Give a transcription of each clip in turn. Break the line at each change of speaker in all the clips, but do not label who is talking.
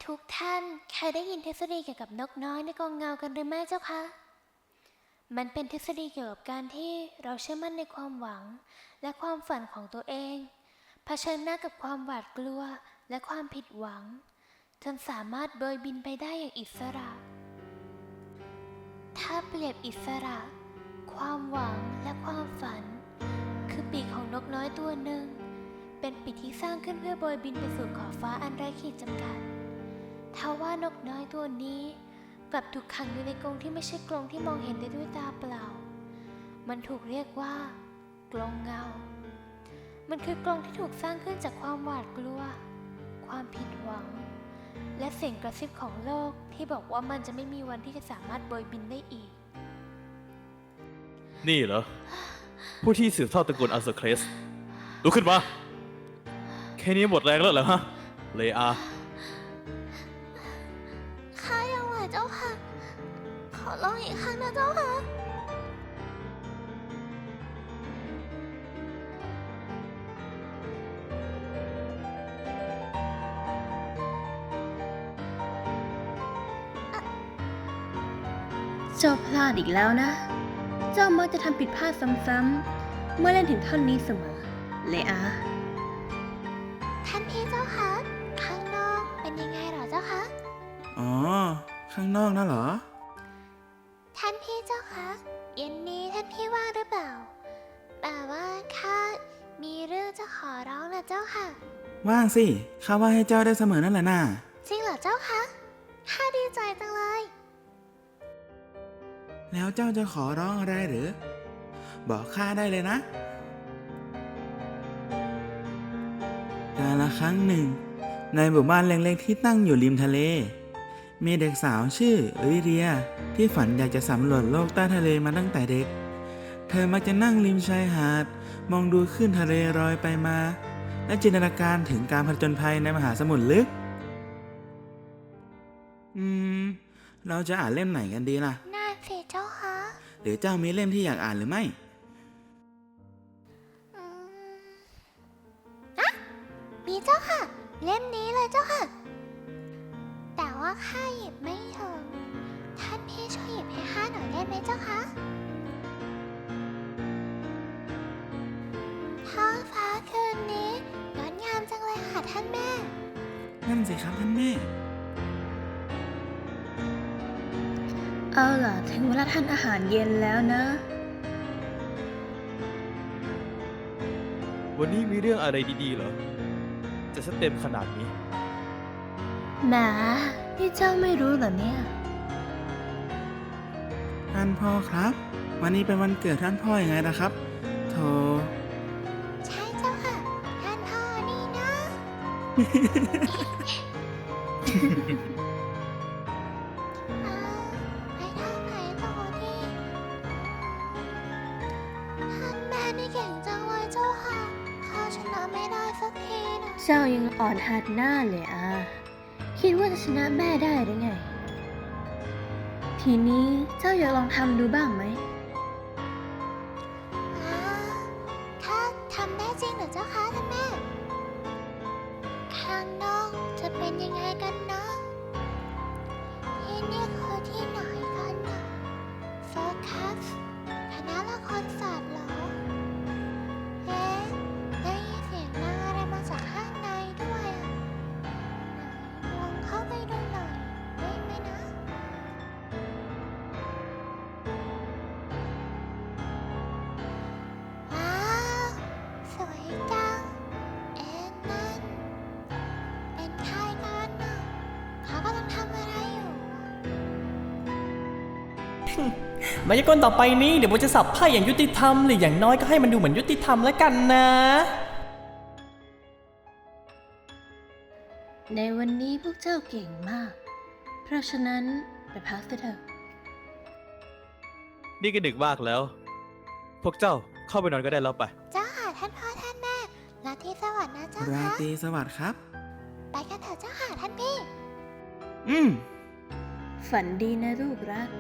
ทุกท่านเคยได้ยินทฤษฎีเกี่ยวกับนกน้อยในกองเงากันหรือไม่เจ้าคะมันเป็นทฤษฎีเกี่ยวกับการที่เราเชื่อมั่นในความหวังและความฝันของตัวเองเผชิญหน้ากับความหวาดกลัวและความผิดหวังจนสามารถโบยบินไปได้อย่างอิสระถ้าเปรียบอิสระความหวังและความฝันคือปีกของนกน้อยตัวหนึ่งเป็นปีกที่สร้างขึ้นเพื่อโบยบินไปสู่ขอบฟ้าอันไร้ขีดจำกัดทว่านกน้อยตัวนี้กลับถูกขังอยู่ในกรงที่ไม่ใช่กรงที่มองเห็นได้ด้วยตาเปล่ามันถูกเรียกว่ากรงเงามันคือกรงที่ถูกสร้างขึ้นจากความหวาดกลัวความผิดหวังและเสียงกระซิบของโลกที่บอกว่ามันจะไม่มีวันที่จะสามารถโบยบินได้อีก
นี่เหรอผู้ที่สืบทอดตระกูลอัลเซอร์เคลสลุกขึ้นมาแค่นี้หมดแรงแล้วเหรอฮะเลอา
ข้ายังไหวเจ้าค่ะขอลองอีกครั้งนะเจ้าค่ะ
เจ้าพลาดอีกแล้วนะเจ้ามักจะทำผิดพลาดซ้ำๆเมื่อเล่นถึงท่อนนี้เสมอเลอา
ท่านพี่เจ้าคะข้างนอกเป็นยังไงหรอเจ้าคะ
อ๋อข้างนอกน่ะเหรอ
ท่านพี่เจ้าคะเย็นนี้ท่านพี่ว่างหรือเปล่าแต่ว่าข้ามีเรื่องจะขอร้องนะเจ้าค่ะ
ว่างสิข้าว่าให้เจ้าได้เสมอนั่นแหละน่ะ
จริงเหรอเจ้าคะข้าดีใจจังเลย
แล้วเจ้าจะขอร้องอะไรหรือบอกข้าได้เลยนะกาลครั้งหนึ่งในหมู่บ้านเล็กๆที่ตั้งอยู่ริมทะเลมีเด็กสาวชื่อลิเดียที่ฝันอยากจะสำรวจโลกใต้ทะเลมาตั้งแต่เด็กเธอมักจะนั่งริมชายหาดมองดูคลื่นทะเลลอยไปมาและจินตนาการถึงการผจญภัยในมหาสมุทรลึกเราจะอ่านเล่มไหนกันดีล่ะ
น่าเสียเจ้าคะ
หรือเจ้ามีเล่มที่อยากอ่านหรือไม่
มีเจ้าค่ะเล่มนี้เลยเจ้าค่ะแต่ว่าข้าหยิบไม่ถึงท่านพี่ช่วยหยิบให้ข้าหน่อยได้ไหมเจ้าคะท้องฟ้าคืนนี้งดงามจังเลยค่ะท่านแม่
นั่นสิครับท่านแม่
เอาล่ะถึงเวลาทานอาหารเย็นแล้วนะ
วันนี้มีเรื่องอะไรดีๆเหรอจะเต็มขนาดนี้
แหมนี่เจ้าไม่รู้เหรอเนี่ย
ท่านพ่อครับวันนี้เป็นวันเกิดท่านพ่อยังไงนะครับโธ่
ใช่เจ้าค่ะท่านพ่อนี่นะไปทางไหนต่อดีท่านแม่นี่เก่งจังเลยเจ้าค่ะข้าชนะไม่ได้สักทีนะ
เจ้ายังอ่อนหัดหน้าเลยคิดว่าจะชนะแม่ได้หรือไงทีนี้เจ้าอยากลองทำดูบ้างไหม
ถ้าทำได้จริงเหรอเจ้าคะท่านแม่ข้างนอกจะเป็นยังไงกันนะที่นี่คือที่ไหนกันนะโฟกัสคณะละครศาสตร์เหรอได้ยินเสียงนางอะไรมาจากข้างในด้วยลองเข้าไปดูหน่อยได้ไหมนะว้าวสวยจังนั่นเป็นใครกันน่ะเขากำลังทำอะไรอยู่
มายากลต่อไปนี้เดี๋ยวผมจะสับไพ่อย่างยุติธรรมหรืออย่างน้อยก็ให้มันดูเหมือนยุติธรรมแล้วกันนะ
ในวันนี้พวกเจ้าเก่งมากเพราะฉะนั้นไปพักเถอะ
นี่ก็ดึกมากแล้วพวกเจ้าเข้าไปนอนก็ได้แล้วไป
เจ้าค่ะท่านพ่อท่านแม่ราตรีสวัสดิ์นะเจ้า
รา
ค่ะ
ตรีสวัสดิ์ครับ
ไปกันเถอะเจ้าค่ะท่านพี่
ฝันดีนะลูกรัก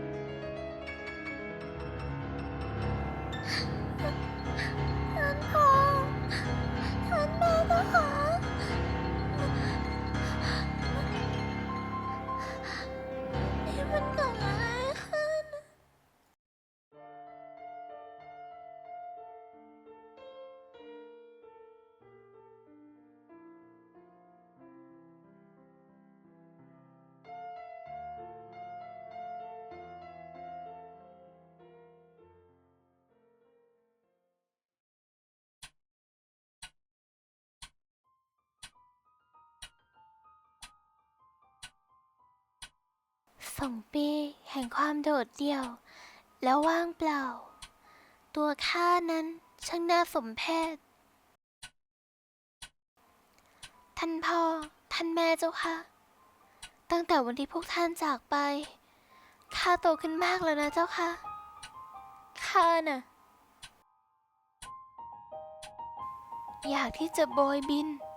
ท่านพ่อท่านแม่เจ้าค่ะปีแห่งความโดดเดี่ยว แล้วว่างเปล่า ตัวข้านั้นช่างน่าสมเพช ท่านพ่อ ท่านแม่เจ้าค่ะ ตั้งแต่วันที่พวกท่านจากไป ข้าโตขึ้นมากแล้วนะเจ้าค่ะ ข้าน่ะ อยากที่จะโบยบิน